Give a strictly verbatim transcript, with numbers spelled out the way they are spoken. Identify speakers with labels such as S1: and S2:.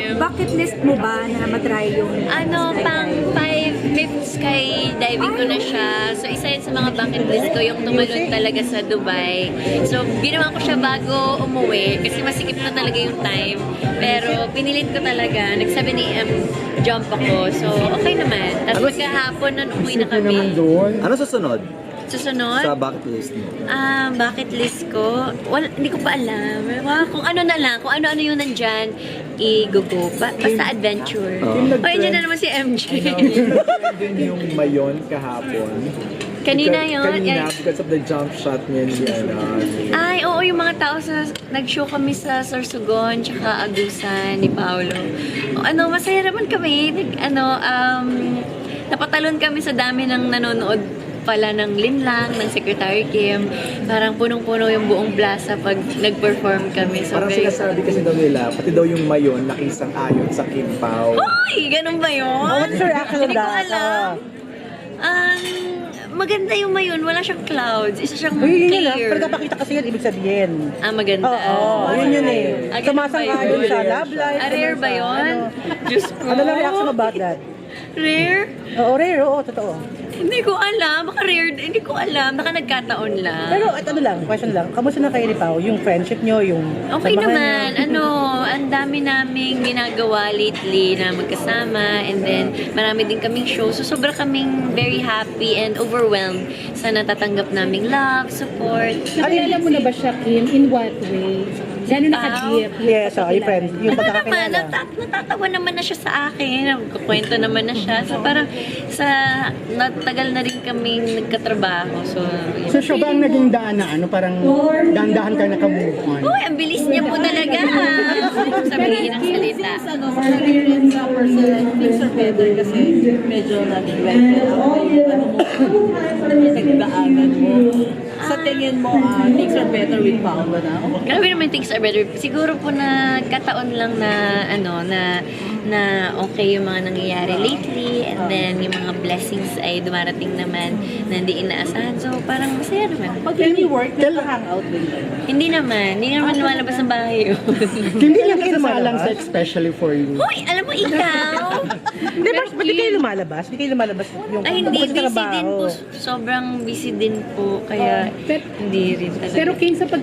S1: time.
S2: Bucket list mo ba na matry yung
S1: Ano, pang five fifths sky diving ko na siya. So, isa yun sa mga bucket list ko, yung tumalon talaga sa Dubai. So, ginawa ko siya bago umuwi kasi masikip na talaga yung time. Pero, pinilit ko talaga. Nag seven a m jump ako. So, okay naman. Tapos magkahapon nun umuwi na kami.
S3: Ano susunod
S1: Susunod?
S3: sa bucket list mo?
S1: Ah, bucket list ko? Wala, hindi ko pa alam. Wow, kung ano na lang, kung ano-ano yung nandyan, i-go-go. Ba, basta adventure.
S3: Oh.
S1: Oh, andyan na naman si M J.
S4: din yung mayon kahapon.
S1: Kanina
S4: Because-
S1: yun.
S4: Kanina,
S1: eh,
S4: because of the jump shot niya ni ano.
S1: Ay, oo, yung mga tao sa, nag-show kami sa Sorsogon, tsaka Agusan ni Paolo. O, ano, masaya naman kami. Nag, ano, um, napatalon kami sa dami ng nanonood pala ng Linlang, ng Secretary Kim. Parang punong-puno yung buong plaza pag nag-perform kami. So,
S4: Parang
S1: very-
S4: sinasabi kasi daw nila, pati daw yung mayon nakisang ayon sa Kim Pao.
S1: Hoy! Ganun ba yun?
S5: Oh, what's your reaction on
S1: Hindi ko
S5: that?
S1: alam. Um, maganda yung mayon. Wala siyang clouds. Isa siyang
S5: Uy, yun yun lang.
S1: clear.
S5: Pero kapakita kasi yun, ibig sabihin.
S1: Ah, maganda.
S5: Oo, yun yun eh.
S1: Ah, ganun ba
S5: Sumasang-ayon
S1: yun?
S5: sa love life.
S1: Ah, rare ba yun? Diyos ko.
S5: Ano lang reaction about that?
S1: Rare?
S5: Oo, rare, oo, totoo.
S1: Hindi ko alam. Baka rare. Hindi ko alam. Baka nagkataon lang.
S5: Pero at ano lang, question lang, kamusta na kayo ni Pao? Yung friendship nyo, yung
S1: Okay
S5: samahan
S1: naman.
S5: nyo?
S1: Ano, ang dami naming ginagawa lately na magkasama, and then marami din kaming show. So sobra kaming very happy and overwhelmed sa natatanggap naming love, support.
S6: Nakilala mo na ba siya, Kim? In what way? Gano'n naka-deep?
S5: Yes, oh, yung friend, yung
S1: Ano naman,
S5: pagkakakilala.
S1: natat natatawa naman na siya sa akin, nagkukwento naman na siya. So parang sa natagal na rin kaming nagkatrabaho. So, yun.
S7: So siya ba ang naging daan na ano, parang dahan-dahan ka naka-move on?
S1: Uy, ang bilis niya po talaga. Sabihin ng salita.
S6: Ano, sa experience sa person, things are better kasi medyo naging better ako yung ano mo, nagdaanan mo. Sa tingin mo, ah, things are better with Paolo na?
S1: Grabe naman things are better. Siguro po na kataon lang na ano na na okay yung mga nangyayari lately, and then yung mga blessings ay dumarating naman na hindi inaasahan. So parang masaya naman.
S6: Pag any work, nagka-hangout din ba?
S1: Hindi naman. Hindi naman lumalabas ng bahay yun.
S7: Hindi niya kasasalang sex especially for you.
S1: Hoy, alam mo ikaw?
S5: Hindi, ba't ba't di kayo lumalabas? Di kayo lumalabas yung
S1: Ay, hindi.
S5: bukod sa
S1: Busy
S5: trabaho.
S1: din po. Sobrang busy din po. Kaya
S6: Pero-
S1: hindi rin talaga.
S6: Pero Kim, sa pag